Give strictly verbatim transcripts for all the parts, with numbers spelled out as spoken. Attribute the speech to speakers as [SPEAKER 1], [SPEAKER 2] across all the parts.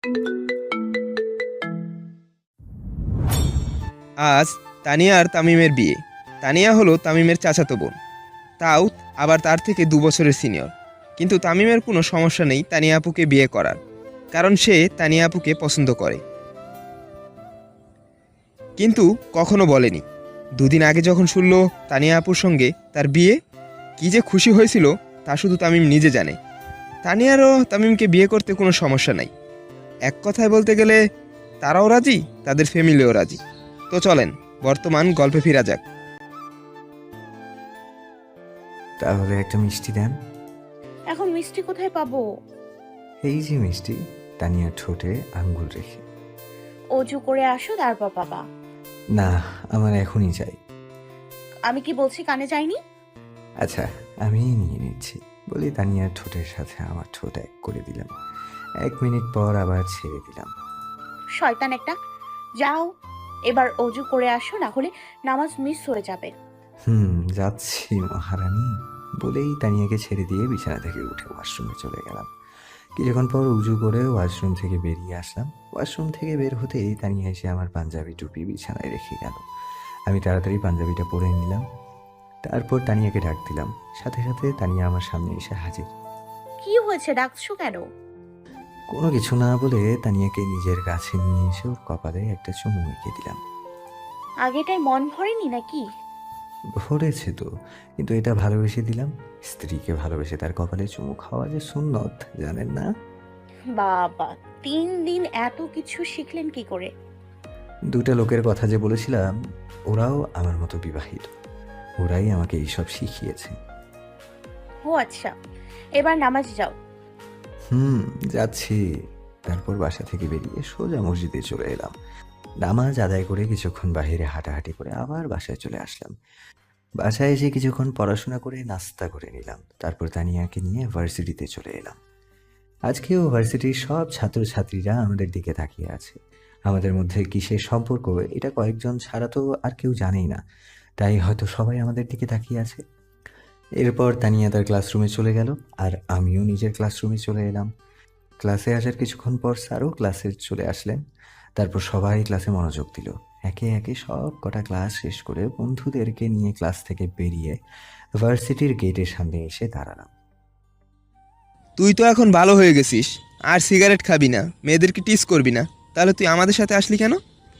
[SPEAKER 1] আজ তানিয়া আর তামিমের বিয়ে। তানিয়া হলো তামিমের চাচাতো বোন, তাও আবার তার থেকে দু বছরের সিনিয়র। কিন্তু তামিমের কোনো সমস্যা নেই তানিয়া আপুকে বিয়ে করার, কারণ সে তানিয়া আপুকে পছন্দ করে। কিন্তু কখনো বলেনি। দুদিন আগে যখন শুনল তানিয়া আপুর সঙ্গে তার বিয়ে, কী যে খুশি হয়েছিল তা শুধু তামিম নিজে জানে। তানিয়ারও তামিমকে বিয়ে করতে কোনো সমস্যা নাই। এক কথায় বলতে গেলে তারাও রাজি, তাদের ফ্যামিলিও রাজি। তো চলেন বর্তমান গল্পে ফিরা যাক।
[SPEAKER 2] তাহলে একটা মিষ্টি দেন।
[SPEAKER 3] এখন মিষ্টি কোথায় পাবো?
[SPEAKER 2] এই যে মিষ্টি। তানিয়ার ঠোঁটে আঙ্গুল রেখে।
[SPEAKER 3] অজু করে আসো তারপর পাবা।
[SPEAKER 2] না, আমার এখনই চাই।
[SPEAKER 3] আমি কি বলছি কানে যায়নি?
[SPEAKER 2] আচ্ছা, আমি নিয়ে নিচ্ছি বলি তানিয়ার ঠোঁটের সাথে আমার ঠোঁট এক করে দিলাম। এক মিনিট পর আবার ছেড়ে দিলাম।
[SPEAKER 3] শয়তান একটা, যাও এবার অজু করে আসো, না হলে নামাজ মিস হয়ে যাবে।
[SPEAKER 2] হুম যাচ্ছি মহারানী বলেই তানিয়াকে ছেড়ে দিয়ে বিছানা থেকে উঠে ওয়াশরুমে চলে গেলাম। কিছুক্ষণ পর উজু করে ওয়াশরুম থেকে বেরিয়ে আসলাম। ওয়াশরুম থেকে বের হতেই তানিয়া এসে আমার পাঞ্জাবি টুপি বিছানায় রেখে গেল। আমি তাড়াতাড়ি পাঞ্জাবিটা পরে নিলাম। তারপর তানিয়াকে ডাক দিলাম। সাথে সাথে তানিয়া আমার সামনে এসে হাজির।
[SPEAKER 3] কি হয়েছে, ডাকছো কেন?
[SPEAKER 2] কোনো কিছু না বলে তানিয়াকে নিজের কাছে নিয়ে এসে ওর কপালে একটা চুমু এঁকে দিলাম।
[SPEAKER 3] আগেটাই মন ভরেনি নাকি?
[SPEAKER 2] ভরেছে তো, কিন্তু এটা ভালোবেসে দিলাম। স্ত্রীকে ভালোবেসে তার কপালে চুমু খাওয়া যে সুন্নত, জানেন না?
[SPEAKER 3] বাবা, তিন দিন এত কিছু শিখলেন কি করে?
[SPEAKER 2] দুটা লোকের কথা যে বলেছিলাম, ওরাও আমার মতো বিবাহিত। ওরাই আমাকে এইসব শিখিয়েছে।
[SPEAKER 3] ও আচ্ছা, এবার নামাজ যাও।
[SPEAKER 2] হুম যাচ্ছি। তারপর বাসা থেকে বেরিয়ে সোজা মসজিদে চলে এলাম। নামাজ আদায় করে কিছুক্ষণ বাইরে হাঁটাহাঁটি করে আবার বাসায় চলে আসলাম। বাসায় এসে কিছুক্ষণ পড়াশোনা করে নাস্তা করে নিলাম। তারপর তানিয়াকে নিয়ে ভার্সিটিতে চলে এলাম। আজকেও ভার্সিটির সব ছাত্রছাত্রীরা আমাদের দিকে তাকিয়ে আছে। আমাদের মধ্যে কিসের সম্পর্ক এটা কয়েকজন ছাড়া তো আর কেউ জানেই না, তাই হয়তো সবাই আমাদের দিকে তাকিয়ে আছে। এরপর তানিয়া তার ক্লাসরুমে চলে গেল, আর আমিও নিজের ক্লাসরুমে চলে এলাম। ক্লাসে আসার কিছুক্ষণ পর স্যারও ক্লাসে চলে আসলেন। তারপর সবাই ক্লাসে মনোযোগ দিল। একে একে সব কটা ক্লাস শেষ করে বন্ধুদেরকে নিয়ে ক্লাস থেকে বেরিয়ে ভার্সিটির গেটের সামনে এসে দাঁড়ালাম।
[SPEAKER 1] তুই তো এখন ভালো হয়ে গেছিস, আর সিগারেট খাবি না, মেয়েদেরকে টিস করবি না, তাহলে তুই আমাদের সাথে আসলি কেন?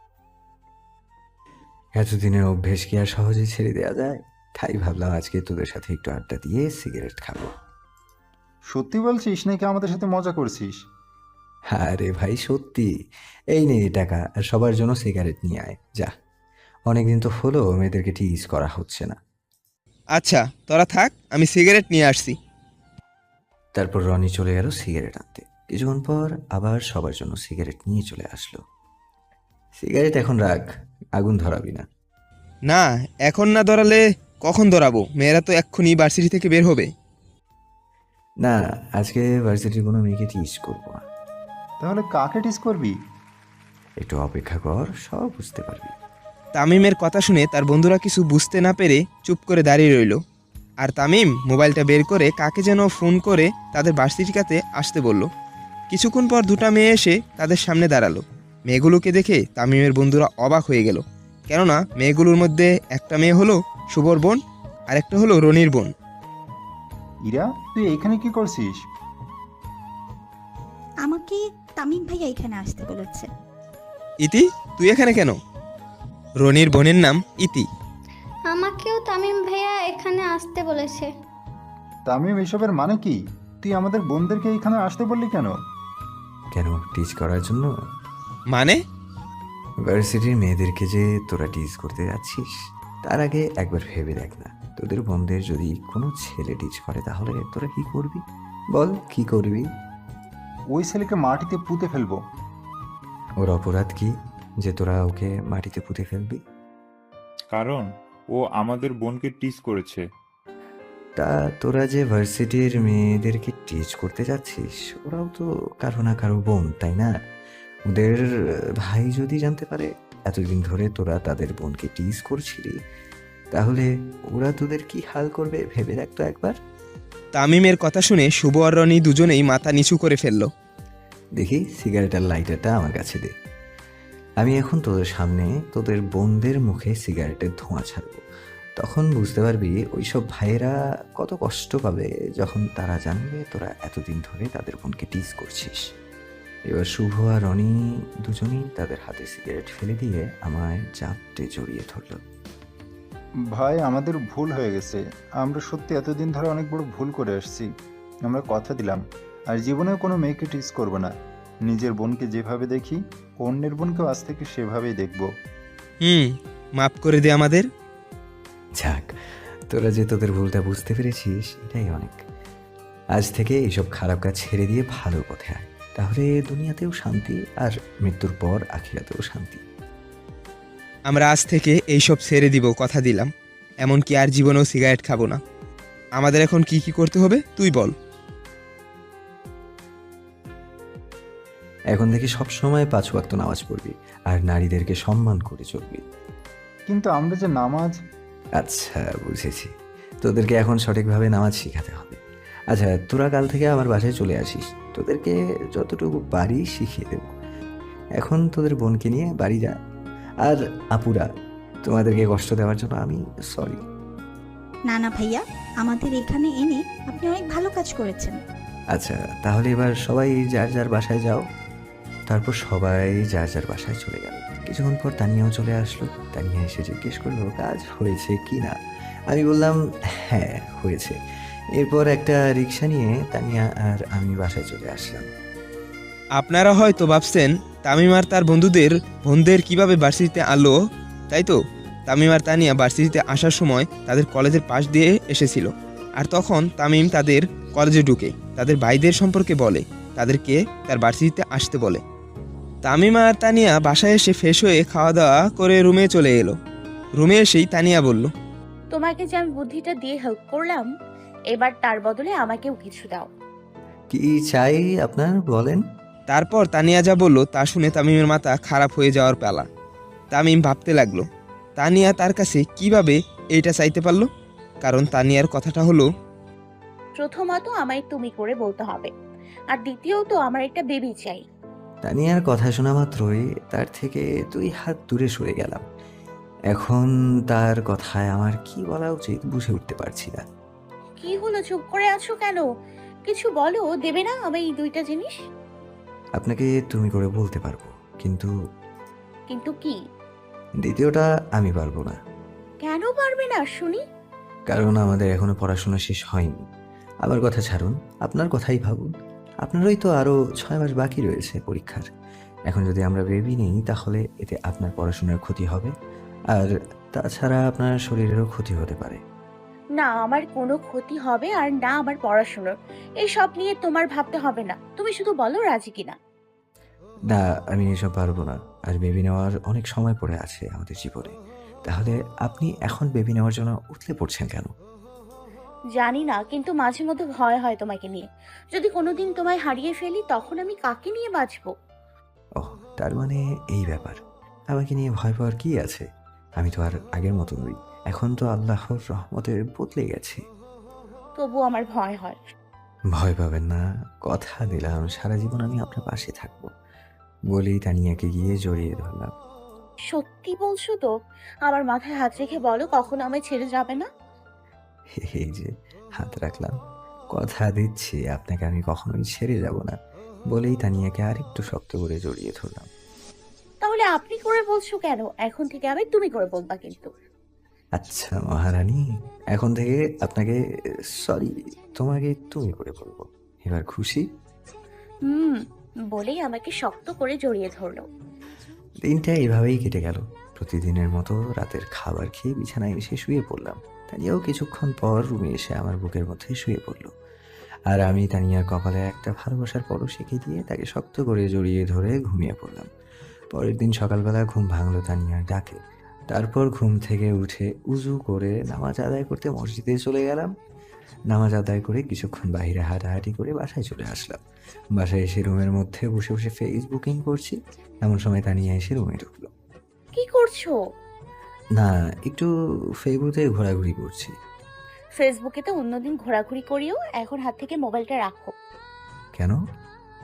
[SPEAKER 2] এতদিনের অভ্যেস কি আর সহজে ছেড়ে দেওয়া যায়? তাই ভাবলাম আজকে তোদের সাথে একটু আড্ডা দিয়ে সিগারেট খাবো।
[SPEAKER 4] সত্যি বলছিস নাকি আমাদের সাথে মজা করছিস?
[SPEAKER 2] আরে ভাই সত্যি। এই নে টাকা, আর সবার জন্য সিগারেট নিয়ে আয় যা। অনেকদিন তো হলো মেয়েদেরকে টিজ করা হচ্ছে না।
[SPEAKER 1] আচ্ছা তোরা থাক, আমি সিগারেট নিয়ে আসছি।
[SPEAKER 2] তারপর রনি চলে গেল সিগারেট আনতে। কিছুক্ষণ পর আবার সবার জন্য সিগারেট নিয়ে চলে আসলো। সিগারেট এখন রাখ, আগুন ধরাবি না।
[SPEAKER 1] না, এখন না ধরালে কখন ধরাবো? মেয়েরা তো এক্ষুনি ভার্সিটি থেকে বের হবে।
[SPEAKER 2] না, আজকে ভার্সিটির কোনো মেয়েকে টিজ করবো না।
[SPEAKER 4] তাহলে কাকে টিস করবি?
[SPEAKER 2] একটু অপেক্ষা কর, সব বুঝতে পারবি।
[SPEAKER 1] তামিমের কথা শুনে তার বন্ধুরা কিছু বুঝতে না পেরে চুপ করে দাঁড়িয়ে রইল। আর তামিম মোবাইলটা বের করে কাকে যেন ফোন করে তাদের ভার্সিটিকাতে আসতে বলল। কিছুক্ষণ পর দুটা মেয়ে এসে তাদের সামনে দাঁড়ালো। মেয়েগুলোকে দেখে তামিমের বন্ধুরা অবাক হয়ে গেল, কেননা মেয়েগুলোর মধ্যে একটা মেয়ে হলো শুভর বোন, আর একটা হলো রনির বোন।
[SPEAKER 4] ইরা, তুই এইখানে কি করছিস?
[SPEAKER 5] আমাকে তামিম ভাইয়া এখানে আসতে বলেছে।
[SPEAKER 1] ইতি, তুই এখানে কেন? রনির বোনের নাম ইতি।
[SPEAKER 6] আমাকেও তামিম ভাইয়া এখানে আসতে বলেছে।
[SPEAKER 4] তামিম, এসবের মানে কি? তুই আমাদের বোনদেরকে এইখানে আসতে বললি কেন?
[SPEAKER 2] কেন টিজ করার জন্য?
[SPEAKER 1] মানে?
[SPEAKER 2] ভার্সিটির মেয়েদেরকে যে তোরা টিজ করতে যাচ্ছিস, তার আগে একবার ভেবে দেখ না, তোদের বোনদের যদি কোনো ছেলে টিজ করে তাহলে তোরা কি করবি? বল কি করবি?
[SPEAKER 4] ওই ছেলেকে মাটিতে পুঁতে ফেলবো।
[SPEAKER 2] ওর অপরাধ কি যে তোরা ওকে মাটিতে পুঁতে ফেলবি?
[SPEAKER 7] কারণ ও আমাদের বোনকে টিজ করেছে।
[SPEAKER 2] তা তোরা যে ভার্সিটির মেয়েদেরকে টিজ করতে যাচ্ছিস, ওরাও তো কারো না কারো বোন, তাই না? ওদের ভাই যদি জানতে পারে এতদিন ধরে তোরা তাদের বোনকে টিজ করছিলি, তাহলে ওরা তোদের কি হাল করবে ভেবে রাখতো একবার।
[SPEAKER 1] তামিমের কথা শুনে শুভ আর রনি দুজনেই মাথা নিচু করে ফেলল।
[SPEAKER 2] দেখি সিগারেটের লাইটারটা আমার কাছে দে। আমি এখন তোদের সামনে তোদের বোনদের মুখে সিগারেটের ধোঁয়া ছাড়বো। তখন বুঝতে পারবি ওইসব ভাইয়েরা কত কষ্ট পাবে যখন তারা জানবে তোরা এতদিন ধরে তাদের বোনকে টিজ করছিস। এবার শুভ আর রনি দুজনেই তাদের হাতে সিগারেট ফেলে দিয়ে আমায় চাপটে জড়িয়ে ধরল।
[SPEAKER 4] ভাই, আমাদের ভুল হয়ে গেছে। আমরা সত্যি এতদিন ধরে অনেক বড় ভুল করে আসছি। আমরা কথা দিলাম আর জীবনেও কোনো মেয়েকে টিস করব না। নিজের বোনকে যেভাবে দেখি অন্যের বোনকেও আজ থেকে সেভাবেই দেখব।
[SPEAKER 1] হুম, মাফ করে দে আমাদের।
[SPEAKER 2] যাক, তোরা যে তোদের ভুলটা বুঝতে পেরেছিস এটাই অনেক। আজ থেকে এইসব খারাপ কাজ ছেড়ে দিয়ে ভালো পথে আয়, তাহলে দুনিয়াতেও শান্তি আর মৃত্যুর পর আখিরাতেও শান্তি।
[SPEAKER 1] আমরা আজ থেকে এইসব ছেড়ে দিব, কথা দিলাম। এমনকি আর জীবনেও সিগারেট খাবো না। আমাদের এখন কি কি করতে হবে তুই বল।
[SPEAKER 2] এখন থেকে সব সময় পাঁচ ওয়াক্ত নামাজ পড়বি আর নারীদেরকে সম্মান করে চলবি।
[SPEAKER 4] কিন্তু আমরা যে নামাজ।
[SPEAKER 2] আচ্ছা, বুঝেছি। তোদেরকে এখন সঠিকভাবে নামাজ শেখাতে হবে। আচ্ছা, তোরা কাল থেকে আমার বাসায় চলে আসিস, তোদেরকে যতটুকু বাড়ি শিখিয়ে দেব। এখন তোদের বোনকে নিয়ে বাড়ি যা। আর আপুরা, তোমাদেরকে কষ্ট দেওয়ার জন্য আমি সরি।
[SPEAKER 5] না না ভাইয়া, আমাদের এখানে এনে আপনি অনেক ভালো কাজ করেছেন।
[SPEAKER 2] আচ্ছা, তাহলে এবার সবাই যার যার বাসায় যাও। তারপর সবাই যার যার বাসায় চলে গেল। কিছুক্ষণ পর তানিয়াও চলে আসলো। তানিয়া এসে জিজ্ঞেস করলো কাজ হয়েছে কি না। আমি বললাম হ্যাঁ হয়েছে। এরপর একটা রিক্সা নিয়ে তানিয়া আর আমি বাসায় চলে আসলাম।
[SPEAKER 1] আপনারা হয়তো ভাবছেন তামিম আর তার বন্ধুদের বোনদের কিভাবে ভার্সিটিতে আনলো, তাই তো? তামিম আর তানিয়া ভার্সিটিতে আসার সময় তাদের কলেজের পাশ দিয়ে এসেছিল। আর তখন তামিম তাদের কলেজে ঢুকে তাদের ভাইদের সম্পর্কে বলে, তাদেরকে তার ভার্সিটিতে আসতে বলে। তামিম আর তানিয়া বাসায় এসে ফ্রেশ হয়ে খাওয়া দাওয়া করে রুমে চলে এলো। রুমে এসেই তানিয়া বলল,
[SPEAKER 3] তোমাকে যে আমি বুদ্ধিটা দিয়ে হেল্প করলাম, এবার তার বদলে আমাকেও কিছু দাও।
[SPEAKER 2] কি চাই আপনার বলেন।
[SPEAKER 1] তারপর তানিয়া যা বলল তা শুনে তামিমের মাথা খারাপ হয়ে যাওয়ার পালা। তামিম ভাবতে লাগলো তানিয়া তার কাছে কিভাবে এইটা চাইতে পারলো। কারণ তানিয়ার কথাটা হলো,
[SPEAKER 3] প্রথমত আমায় তুমি করে বলতে হবে, আর দ্বিতীয়ত আমার একটা বেবি চাই।
[SPEAKER 2] তানিয়ার কথা শোনা মাত্রই তার থেকে দুই হাত দূরে সরে গেলাম। এখন তার কথায় আমার কি বলা উচিত বুঝে উঠতে পারছি না।
[SPEAKER 3] কি হলো, চুপ করে আছো কেন? কিছু বলো, দেবে না আমি এই দুইটা জিনিস?
[SPEAKER 2] আপনাকে তুমি করে বলতে পারবো, কিন্তু
[SPEAKER 3] কিন্তু কি?
[SPEAKER 2] দ্বিতীয়টা আমি পারবো না।
[SPEAKER 3] কেন পারবে না শুনি?
[SPEAKER 2] কারণ আমাদের এখনো পড়াশোনা শেষ হয়নি। আমার কথা ছাড়ুন, আপনার কথাই ভাবুন। আপনারই তো আরও ছয় মাস বাকি রয়েছে পরীক্ষার। এখন যদি আমরা বেবি নেই তাহলে এতে আপনার পড়াশোনার ক্ষতি হবে, আর তাছাড়া আপনার শরীরেরও ক্ষতি হতে পারে।
[SPEAKER 3] না, আমার কোনো ক্ষতি হবে আর না আমার পড়াশোনার। এই সব নিয়ে তোমার ভাবতে হবে না, তুমি শুধু বলো রাজি কিনা।
[SPEAKER 2] না, আমি এসব পারবো না। আর বেবি নেওয়ার অনেক সময় পড়ে আছে আমাদের জীবনে। তাহলে আপনি এখন বেবি নেওয়ার জন্য উঠলে পড়ছেন কেন?
[SPEAKER 3] জানি না, কিন্তু মাঝে মধ্যে ভয় হয় তোমাকে নিয়ে। যদি কোনোদিন তোমায় হারিয়ে ফেলি তখন আমি কাকে নিয়ে বাঁচবো?
[SPEAKER 2] ওহ, তার মানে এই ব্যাপার। আমাকে নিয়ে ভয় পাওয়ার কি আছে? আমি তো আর আগের মতো নই। এখন তো আল্লাহর রহমতে বদলে গেছি।
[SPEAKER 3] তবু আমার ভয় হয়।
[SPEAKER 2] ভয় পাবেন না, কথা দিলাম সারা জীবন আমি আপনার পাশে থাকবো। বলেই তানিয়াকে গিয়ে জড়িয়ে ধরলাম।
[SPEAKER 3] সত্যি বলছো তো? আমার মাথায় হাত রেখে বলো কখনো আমায় ছেড়ে যাবে না।
[SPEAKER 2] এই যে হাত রাখলাম, কথা দিচ্ছি আপনাকে আমি কখনোই ছেড়ে যাব না। বলেই তানিয়াকে আরেকটু শক্ত করে জড়িয়ে ধরলাম।
[SPEAKER 3] তাহলে আপনি করে বলছো কেন? এখন থেকে আমি তুমি করে বলবা কিন্তু।
[SPEAKER 2] আচ্ছা মহারানী, এখন থেকে আপনাকে সরি তোমাকে তুমি করে বলবো। এবার খুশি?
[SPEAKER 3] হুম, বলেই আমাকে শক্ত করে জড়িয়ে ধরলো।
[SPEAKER 2] দিনটা এভাবেই কেটে গেল। প্রতিদিনের মতো রাতের খাবার খেয়ে বিছানায় এসে শুয়ে পড়লাম। তানিয়াও কিছুক্ষণ পর রুমে এসে আমার বুকের মধ্যে শুয়ে পড়ল। আর আমি তানিয়ার কপালে একটা ভালোবাসার পরশ এঁকে দিয়ে তাকে শক্ত করে জড়িয়ে ধরে ঘুমিয়ে পড়লাম। পরের দিন সকালবেলা ঘুম ভাঙলো তানিয়ার ডাকে। তারপর ঘুম থেকে উঠে উজু করে নামাজ আদায় করতে মসজিদে চলে গেলাম। নামাজ আদায় করে কিছুক্ষণ বাইরে হাঁটাহাঁটি করে বাসায় চলে আসলাম। বাসায় এসে রুমের মধ্যে বসে বসে ফেসবুকিং করছি, এমন সময় তানিয়া এসে রুমে ঢুকলো।
[SPEAKER 3] কি করছো?
[SPEAKER 2] না, একটু ফেসবুকে ঘোরাঘুরি করছি।
[SPEAKER 3] ফেসবুকে তো অন্যদিন ঘোরাঘুরি করিও, এখন হাত থেকে মোবাইলটা রাখো।
[SPEAKER 2] কেন?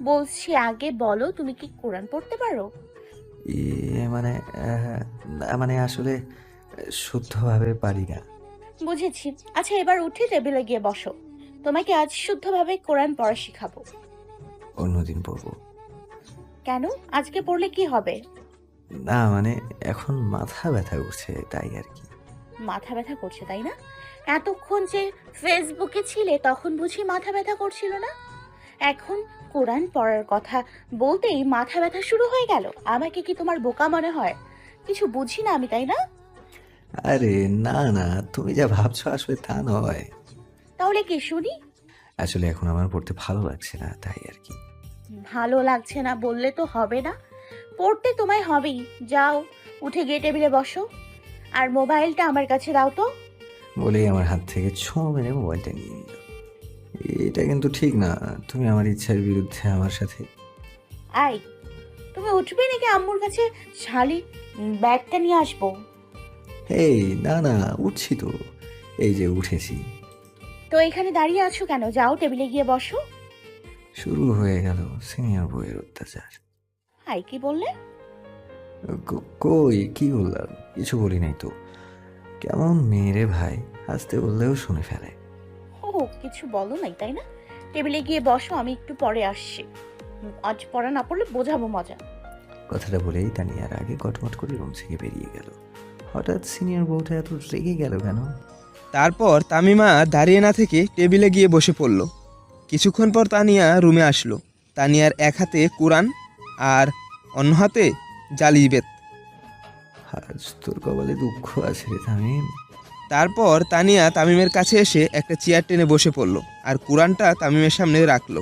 [SPEAKER 3] বলছি আগে বলো, তুমি কি কোরআন পড়তে পারো?
[SPEAKER 2] ইয়ে মানে আহ, না মানে আসলে শুদ্ধভাবে পারি না।
[SPEAKER 3] বুঝেছি। আচ্ছা এবার উঠে টেবিলে গিয়ে বসো। তোমাকে আজ শুদ্ধভাবে কোরআন পড়া শিখাবো।
[SPEAKER 2] অন্যদিন পড়বো।
[SPEAKER 3] কেন? আজকে পড়লে কি হবে?
[SPEAKER 2] না মানে এখন মাথা ব্যথা করছে তাই আর কি।
[SPEAKER 3] মাথা ব্যথা করছে তাই না? এতক্ষণ যে ফেসবুকে ছিলে তখন বুঝি মাথা ব্যথা করছিল না? এখন কোরআন পড়ার কথা বলতেই মাথা ব্যথা শুরু হয়ে গেল। আমাকে কি তোমার বোকা মনে হয়? কিছু বুঝি না আমি, তাই না?
[SPEAKER 2] আরে না না, তুমি যা ভাবছো আসলে তা নয়।
[SPEAKER 3] তাহলে কি শুনি?
[SPEAKER 2] আসলে এখন আমার পড়তে ভালো লাগছে না তাই আর কি।
[SPEAKER 3] ভালো লাগছে না বললে তো হবে না। পড়তে তোমায় হবেই। যাও, উঠে গিয়ে টেবিলে বসো। আর মোবাইলটা আমার কাছে দাও তো।
[SPEAKER 2] বলেই আমার হাত থেকে ছো মেরে মোবাইলটা নিয়ে নিল। এটা কিন্তু ঠিক না, তুমি আমার ইচ্ছার বিরুদ্ধে আমার সাথে।
[SPEAKER 3] আই, তুমি উঠবে নাকি আম্মুর কাছে শালি ব্যাগটা নিয়ে আসবো?
[SPEAKER 2] এই না না, উঠছি তো, এই যে উঠেছি।
[SPEAKER 3] তো এখানে দাঁড়িয়ে আছো কেন? যাও টেবিলে গিয়ে বসো।
[SPEAKER 2] শুরু হয়ে গেল সিনিয়র বইয়ের অত্যাচার।
[SPEAKER 3] হাই, কি বললে?
[SPEAKER 2] ক- কই কি বললাম, কিছু বলি নাই তো। কেমন মেয়েরে ভাই, আসতে বললেও শুনে ফেলে।
[SPEAKER 3] ও, কিছু বলো নাই তাই না? টেবিলে গিয়ে বসো, আমি একটু পরে আসছি। উম, আজ পড়া না পড়লে বোঝাবো মজা।
[SPEAKER 2] কথাটা বলেই তানিয়ার আগে কটমট করে রুম থেকে বেরিয়ে গেল। হঠাৎ সিনিয়র বউটা এত রেগে গেল কেন?
[SPEAKER 1] তারপর তামিমা দাঁড়িয়ে না থেকে টেবিলে গিয়ে বসে পড়ল। কিছুক্ষণ পর তানিয়া রুমে আসলো। তানিয়ার এক হাতে কোরআন আর অন্য হাতে জালিবেত।
[SPEAKER 2] আজ তোর কপালে দুঃখ আছে রে তামিম।
[SPEAKER 1] তারপর তানিয়া তামিমের কাছে এসে একটা চেয়ার টেনে বসে পড়ল আর কোরআনটা তামিমের সামনে রাখলো।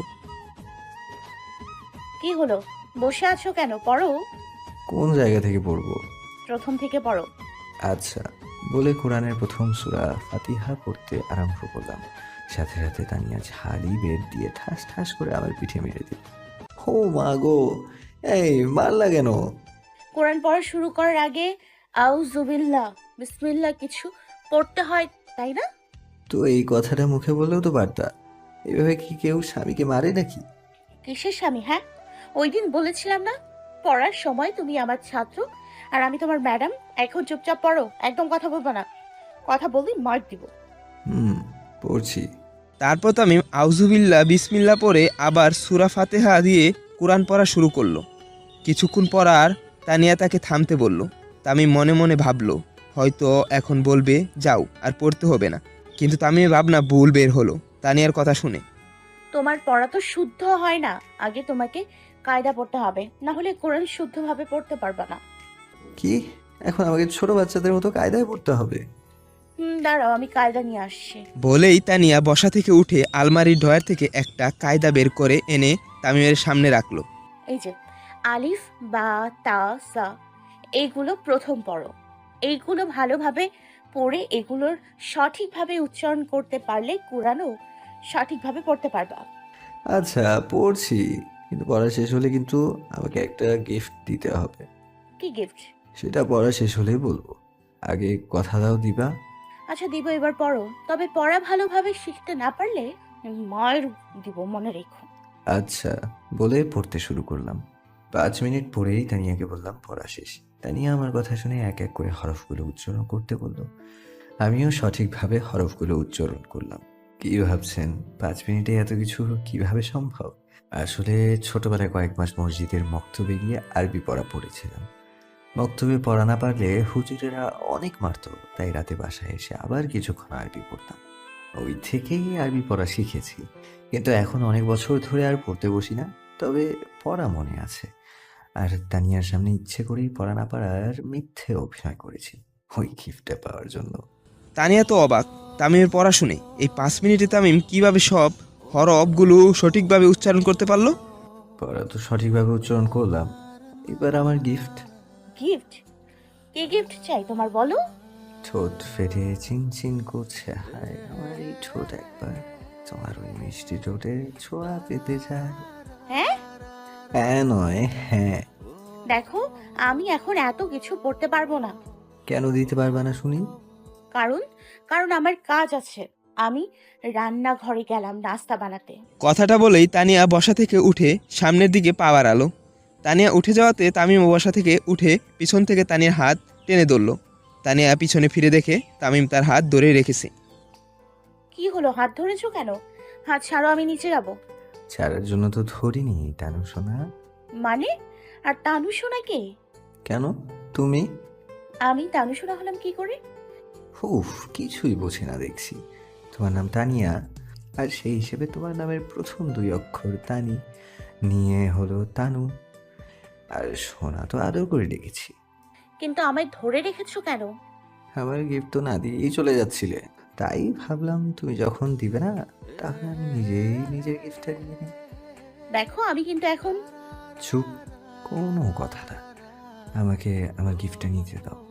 [SPEAKER 3] কি হলো? বসে আছো কেন? পড়ো।
[SPEAKER 2] কোন জায়গা থেকে পড়বো?
[SPEAKER 3] প্রথম থেকে পড়ো।
[SPEAKER 2] আচ্ছা বলে কোরআনের প্রথম সূরা ফাতিহা পড়তে আরম্ভ করলাম। সাথে সাথে তানিয়া ঝাড়ি বের দিয়ে ঠাস ঠাস করে আমার পিঠে মেরে দিল। ও মা গো, এই মারলা কেন?
[SPEAKER 3] কোরআন পড়া শুরু করার আগে আউযুবিল্লাহ বিসমিল্লাহ কিছু পড়তে হয়, তাই না?
[SPEAKER 2] তো এই কথাটা মুখে বললেও তো পারতা। এভাবে কি কেউ স্বামীকে মারে নাকি?
[SPEAKER 3] কিসের স্বামী? হ্যাঁ, ওই দিন বলেছিলাম না পড়ার সময় তুমি আমার ছাত্র আর আমি তোমার ম্যাডাম। এখন চুপচাপ পড়ো, একদম কথা বলবো না। কথা বললেই মার দিব।
[SPEAKER 2] হুম, পড়ছি।
[SPEAKER 1] তারপর তামিম আউজুবিল্লাহ বিসমিল্লাহ পড়ে আবার সূরা ফাতিহা দিয়ে কোরআন পড়া শুরু করলো। কিছুক্ষণ পর আর তানিয়া তাকে থামতে বলল। তামিম মনে মনে ভাবলো হয়তো এখন বলবে যাও আর পড়তে হবে না, কিন্তু তামিমের ভাবনা ভুল বের হলো তানিয়ার কথা শুনে।
[SPEAKER 3] তোমার পড়া তো শুদ্ধ হয় না। আগে তোমাকে কায়দা পড়তে হবে, না হলে কোরআন শুদ্ধভাবে পড়তে পারবা না।
[SPEAKER 2] কি, এখন আমাকে ছোট বাচ্চাদের মতো কায়দায় পড়তে হবে?
[SPEAKER 3] হুম, দাঁড়াও, আমি কায়দা নিয়ে আসছি।
[SPEAKER 1] বলেই তানিয়া বসা থেকে উঠে আলমারির ডয়ার থেকে একটা কায়দা বের করে এনে তামিমের সামনে রাখলো।
[SPEAKER 3] এই যে আলিফ বা তা সা, এইগুলো প্রথম পড়ো। এইগুলো ভালোভাবে পড়ে এগুলোর সঠিকভাবে উচ্চারণ করতে পারলে কোরআনও সঠিকভাবে পড়তে পারবা।
[SPEAKER 2] আচ্ছা পড়ছি, কিন্তু পড়া শেষ হলে কিন্তু আমাকে একটা গিফট দিতে হবে।
[SPEAKER 3] কি গিফট?
[SPEAKER 2] সেটা পড়া শেষ হলেই বলবো, আগে কথা দাও দিবা।
[SPEAKER 3] আচ্ছা দিব, এবার পড়ো। তবে পড়া ভালোভাবে শিখতে না পারলে মায়ের দিব, মনে রেখো।
[SPEAKER 2] আচ্ছা বলে পড়তে শুরু করলাম। পাঁচ মিনিট পরেই তানিয়াকে বললাম পড়া শেষ। তানিয়া আমার কথা শুনে এক এক করে হরফগুলো উচ্চারণ করতে বলল। আমিও সঠিকভাবে হরফগুলো উচ্চারণ করলাম। কি ভাবছেন পাঁচ মিনিটে এত কিছু কিভাবে সম্ভব? আসলে ছোটবেলায় কয়েক মাস মসজিদের মক্তবে গিয়ে আরবি পড়া পড়েছিলাম। মক্তবে পড়া না পারলে হুজুরেরা অনেক মারতো, তাই রাতে বাসায় এসে আবার কিছুক্ষণ আরবি পড়তাম। ওই থেকেই আরবি পড়া শিখেছি, কিন্তু এখন অনেক বছর ধরে আর পড়তে বসি না। তবে পড়া মনে আছে। আর তানিয়ার সামনে ইচ্ছে করেই পড়া না পারার মিথ্যে অভিনয় করেছি ওই গিফটটা পাওয়ার জন্য।
[SPEAKER 1] তানিয়া তো অবাক তামিমের পড়া শুনে। এই পাঁচ মিনিটে তামিম কিভাবে সব হরফগুলো সঠিকভাবে উচ্চারণ করতে পারলো?
[SPEAKER 2] পড়া তো সঠিকভাবে উচ্চারণ করলাম, এবার আমার গিফট।
[SPEAKER 3] গিফট? কি গিফট চাই তোমার, বলো?
[SPEAKER 2] ঠোঁট ফেটে চিনচিন করছে, হায় আমার এই ঠোঁট একবার তোমার ওই মিষ্টি ঠোঁটে ছোঁয়া পেতে চায়।
[SPEAKER 3] হ্যাঁ
[SPEAKER 2] হ্যাঁ নয় হ্যাঁ।
[SPEAKER 3] দেখো, আমি এখন এত কিছু পড়তে পারবো না।
[SPEAKER 2] কেন দিতে পারবা না শুনি?
[SPEAKER 3] কারণ কারণ আমার কাজ আছে। আমি রান্নাঘরে গেলাম নাস্তা বানাতে।
[SPEAKER 1] কথাটা বলেই তানিয়া বসা থেকে উঠে সামনের দিকে পা বাড়ালো। তানিয়া উঠে যাওয়াতে তামিম বসা থেকে উঠে পিছন থেকে তানিয়ার হাত টেনে ধরল। তানিয়া পিছনে ফিরে দেখে তামিম তার হাত ধরে রেখেছে।
[SPEAKER 3] কি হলো, হাত ধরেছো কেন? হাত ছাড়ো, আমি নিচে যাব।
[SPEAKER 2] ছাড়ার জন্য তো ধরিনি তানু সোনা।
[SPEAKER 3] মানে? আর তানু সোনা কে?
[SPEAKER 2] কেন? তুমি?
[SPEAKER 3] আমি তানু সোনা হলাম কি করে?
[SPEAKER 2] উফ, কিছুই বোঝে না দেখছি। তোমার নাম তানিয়া, আর সেই হিসেবে তোমার নামের প্রথম দুই অক্ষর তানি নিয়ে হলো তানু। আর সোনা তো আদর করে ডেকেছি।
[SPEAKER 3] কিন্তু আমায় ধরে রেখেছো কেন?
[SPEAKER 2] আমার গিফট তো না দিয়েই চলে যাচ্ছিলে, তাই ভাবলাম তুমি যখন দিবে না, তাহলে আমি নিজেই নিজের গিফটটা দিয়ে নিই।
[SPEAKER 3] দেখো, আমি কিন্তু এখন।
[SPEAKER 2] চুপ, কোনো কথা না, আমাকে আমার গিফটটা নিতে দাও।